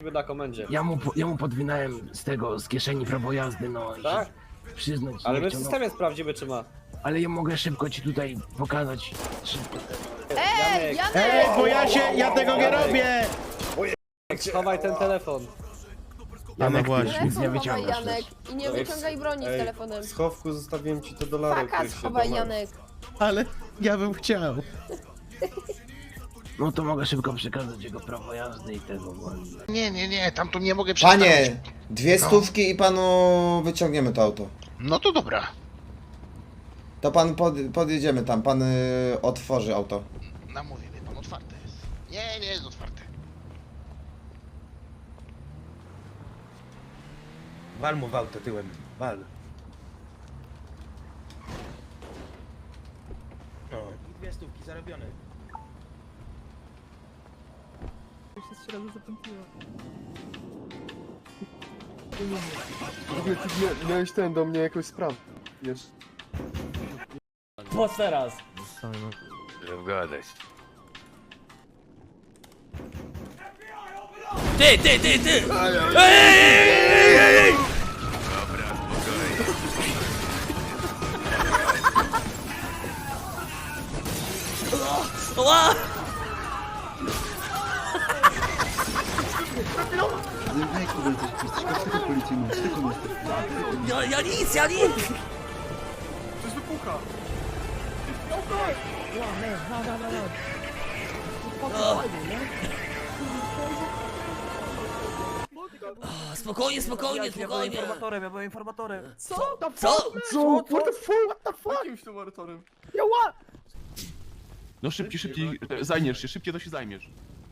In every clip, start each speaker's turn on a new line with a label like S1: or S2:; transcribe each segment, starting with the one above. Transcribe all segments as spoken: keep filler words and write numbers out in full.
S1: na komendzie.
S2: Ja mu, ja mu podwinąłem z tego, z kieszeni prawo jazdy, no
S1: Tak?
S2: i przyznać.
S1: Ale
S2: nie
S1: my w
S2: chciał, no.
S1: systemie sprawdzimy, czy ma.
S2: Ale ja mogę szybko ci tutaj pokazać. Szybko.
S3: Ej, Janek!
S4: Ej, bo ja się, ja tego nie robię!
S1: Schowaj ten telefon.
S2: Janek,
S4: właśnie.
S2: ty już nic nie
S3: Telefon chowaj,
S2: wyciągasz
S3: Janek.
S2: też.
S3: I nie wyciągaj broni z
S5: Ej,
S3: telefonem.
S5: w schowku zostawiłem ci te dolary,
S3: Faka
S5: których się
S3: schowaj,
S5: domagasz.
S3: Janek.
S4: Ale ja bym chciał.
S2: No to mogę szybko przekazać jego prawo jazdy i tego, bo...
S6: Nie, nie, nie, tam tu nie mogę przestawić.
S7: Panie, dwie stówki i panu wyciągniemy to auto.
S6: No to dobra.
S7: To pan pod, podjedziemy tam, pan y, otworzy auto.
S6: Namówię mnie pan, otwarte jest. Nie, nie jest otwarte.
S4: Wal mu w auto tyłem, wal. O, dwie stówki zarobione.
S5: Ty miałeś ten do mnie jakąś sprawę. Wiesz.
S8: Po teraz.
S9: Gadać.
S8: Ty, ty, ty, ty! Ej, ej, ej, ej!
S9: Dobra, spokojnie.
S8: Ła! Ja, ja nic, ja nic!
S5: Coś wypucha.
S8: O, spokojnie, spokojnie, spokojnie.
S4: Informatorem, ja byłem informatorem.
S3: Co?
S8: Co?
S5: Co? What the fuck? What the fuck? Jakimś tym oratorem.
S10: No szybciej, szybciej, e, zajmiesz się, szybciej to się zajmiesz.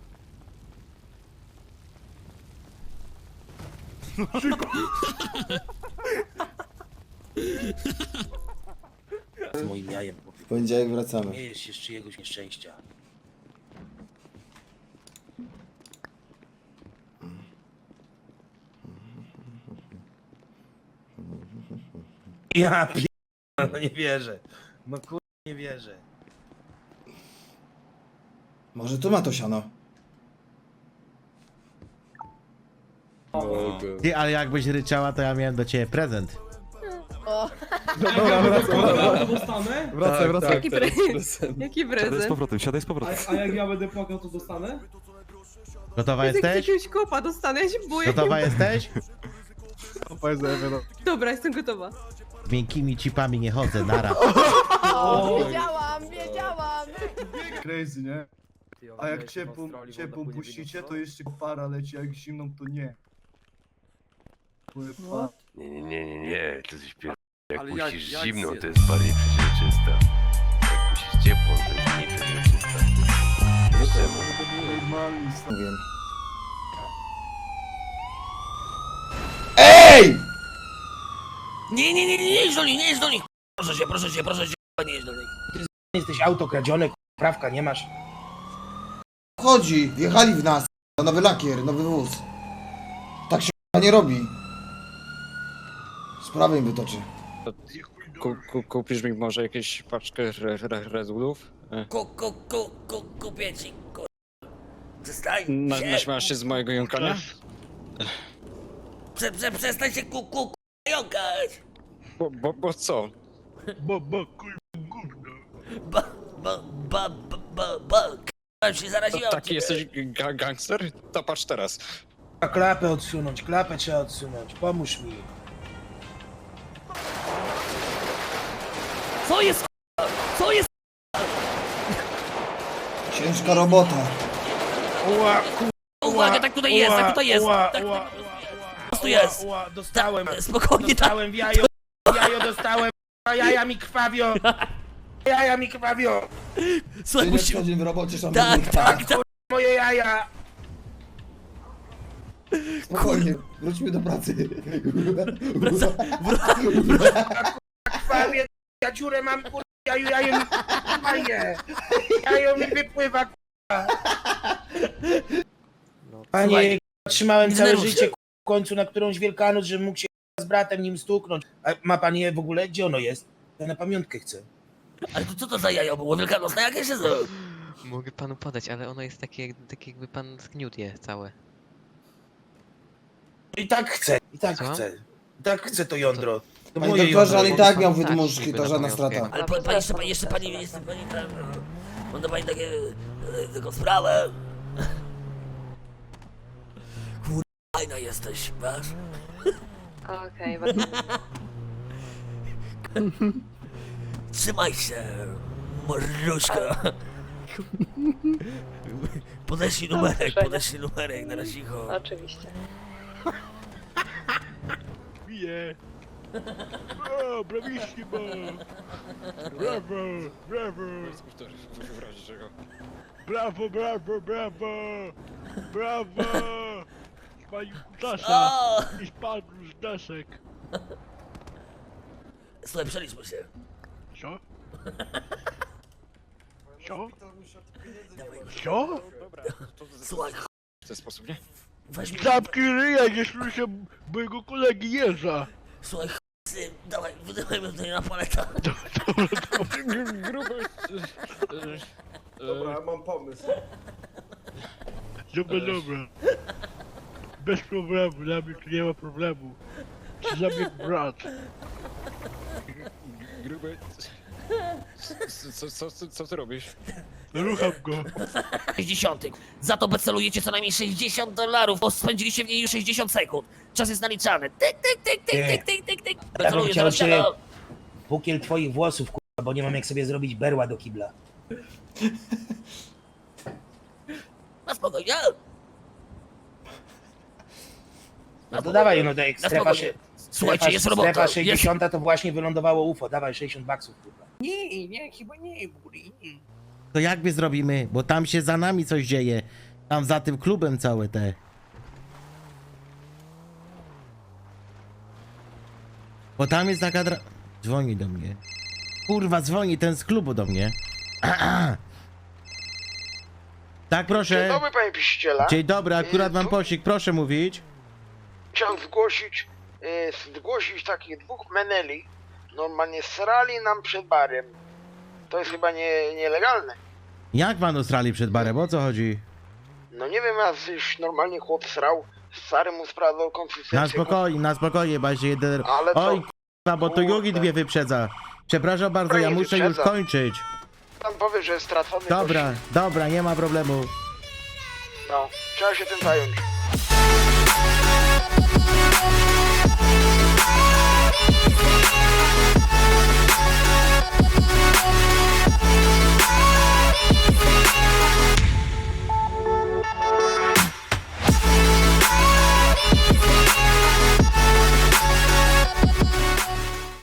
S4: Z moim jajem, bo
S7: W poniedziałek wracamy.
S4: śmiejesz się z czyjegoś nieszczęścia. Ja p... no nie wierzę. No kur... nie wierzę.
S7: Może tu ma to siano.
S4: Ty, ale jakbyś ryczała, to ja miałem do ciebie prezent.
S3: O,
S5: Dobra, wracam.
S8: dostanę?
S5: Wracaj, wracaj.
S3: jaki, pre... jaki prezent?
S10: powrotem, siadaj z powrotem.
S8: A jak ja będę płakał, to dostanę?
S4: Gotowa jesteś?
S3: Jakiegoś kopa dostanę, ja się boję.
S4: Gotowa jesteś?
S3: Dobra, jestem gotowa.
S4: Z miękkimi cipami nie chodzę, nara.
S3: O, wiedziałam, wiedziałam.
S5: Crazy, nie? A jak ciepłą, ciepłą puścicie, to jeszcze para leci, a jak zimną, to nie. Pływa.
S9: Nie, nie, nie, nie, nie, to coś pier... Jak
S1: Ale
S9: puścisz
S1: jak- jak
S9: zimną,
S1: zje-
S9: to jest bardziej przeźroczysta. Jak puścisz ciepłą, to jest mniej przeźroczysta. Wiesz czemu?
S5: Normalnie,
S7: Mówię. EJ!
S8: Nie, nie, nie, nie, nie idź do nich, nie idź do nich! Proszę cię, proszę cię, proszę cię, nie idź do nich.
S4: Jesteś auto kradzione, prawka nie masz.
S7: Chodzi, wjechali w nas. Na nowy lakier, nowy wóz. Tak się nie robi. Sprawę im wytoczy.
S1: Ku, ku, kupisz mi może jakieś paczkę re, re, rezulów?
S8: Ku, ku, ku, ku, kupię ci, ku... Przestań
S1: Na,
S8: się,
S1: naśmiałasz się z mojego jąkania?
S8: prze, prze, przestań się ku, ku, ku, jąkać!
S1: Bo, bo, bo co?
S8: Ba, ba, ba, ba, ba, ba, k***a, się zaraziłem
S1: Taki
S8: ciebie.
S1: jesteś ga gangster? To patrz teraz.
S4: Klapę odsunąć, klapę trzeba odsunąć, pomóż mi.
S8: Co jest, k***a? Co jest?
S7: Ciężka robota.
S4: Ła,
S8: Uwaga, tak tutaj jest, tak tutaj jest,
S4: ła,
S8: tak,
S4: ła,
S8: tak,
S4: ła,
S8: po prostu jest.
S4: ła, dostałem,
S8: Tak, spokojnie, tak.
S4: dostałem w jajo, w jajo dostałem, a jaja mi krwawią. Jaja mi krwawią,
S8: Słuchaj,
S7: Ty nie
S8: musimy...
S7: wchodzi w robocie,
S8: Tak,
S7: szanowny.
S8: tak, tak.
S4: moje jaja.
S7: Spokojnie, wróćmy do pracy.
S4: Krwawie, ja dziurę mam, kur... Jaju, jajo mi fajnie. Jajo mi wypływa, kurwa. Panie, trzymałem całe
S8: Denerwuj się.
S4: życie ku- w końcu na którąś Wielkanoc, żebym mógł się z bratem nim stuknąć. A ma pan je w ogóle? Gdzie ono jest? Ja na pamiątkę chcę.
S8: Ale to co to za jajo było? Wielkanocne jakieś jest?
S11: Mogę panu podać, ale ono jest takie, jak- takie jakby pan zgniótł je całe.
S4: I tak chcę, i tak
S8: Co?
S4: chcę. I tak chcę to jądro. To
S7: Panie
S4: moje
S7: doktorze, ale i
S4: jądro.
S7: tak miał wydmuszki, to żadna strata.
S8: Ale pa, pa, jeszcze, pa, jeszcze pani, jeszcze pani, tam, mam do pani takie, e, taką sprawę. Kurwa, fajna jesteś, wiesz?
S3: Okej,
S8: Trzymaj się, morduszka. Podeślij numerek, podeślij numerek, na razie cicho.
S3: oczywiście.
S10: Bije. O, brawissimo. Brawo, brawo.
S1: W razie czego.
S10: Brawo, brawo, brawo. Brawo. Spalił kutasa
S8: O!
S10: i spadł z desek.
S8: Słuchaj, przeliczmy się.
S10: Co? Co? Co?
S1: Dobra, to
S8: Słuchaj,
S1: w ten sposób, nie?
S8: weź mi...
S10: Zamknij ryja, nie słyszę mojego kolegi Jerza.
S8: Słuchaj, syn, dawaj, wydawajmy tutaj na paleta.
S1: Gruby.
S5: Dobra, mam pomysł.
S10: Dobra, dobra. Bez problemu, dla mnie tu nie ma problemu. Czy za mnie brat?
S1: Gruby. Co, co, co, co ty robisz?
S10: Rucham go.
S8: sześćdziesiąt. Za to becelujecie co najmniej sześćdziesiąt dolarów, bo spędziliście w niej już sześćdziesiąt sekund. Czas jest naliczany. Tyk, tyk, tyk, tyk, tyk, tyk, tyk, tyk. Beceluję,
S4: chciał
S8: zaraz
S4: cię-
S8: siadam.
S4: Pukiel twoich włosów, kurwa, bo nie mam jak sobie zrobić berła do kibla.
S8: Na spokojnie.
S4: No to dawaj, no daj,
S8: Na
S4: strefa,
S8: spokojnie.
S4: się,
S8: Słuchajcie,
S4: strefa,
S8: jest robota.
S4: strefa
S8: Jest...
S4: sześćdziesiąt to właśnie wylądowało U F O, dawaj sześćdziesiąt baksów, kurwa. Nie, nie, chyba nie, buri.
S11: To jak my zrobimy? Bo tam się za nami coś dzieje. Tam za tym klubem całe te. Bo tam jest taka dra... Dzwoni do mnie. Kurwa, dzwoni ten z klubu do mnie. Tak, proszę.
S6: Dzień dobry, panie piściela.
S11: Dzień dobry, akurat mam posik, proszę mówić.
S6: Chciałem zgłosić, e, zgłosić takich dwóch meneli. Normalnie srali nam przed barem. To jest chyba nie, nielegalne.
S11: Jak pan Australii przed barem, o co chodzi?
S6: No nie wiem, raz już normalnie chłop srał, stary mu sprawdzał konsystencję.
S11: Na spokojnie, na spokojnie, bo się jeden...
S6: Ale to-
S11: Oj, kurwa, bo to Jugi
S6: Kurde.
S11: mnie wyprzedza. Przepraszam bardzo,
S6: Dobra,
S11: ja
S6: nie
S11: muszę już
S6: wyprzedza.
S11: kończyć.
S6: Pan powie, że jest stracony.
S11: Dobra, dobra, nie ma problemu.
S6: No, trzeba się tym zająć.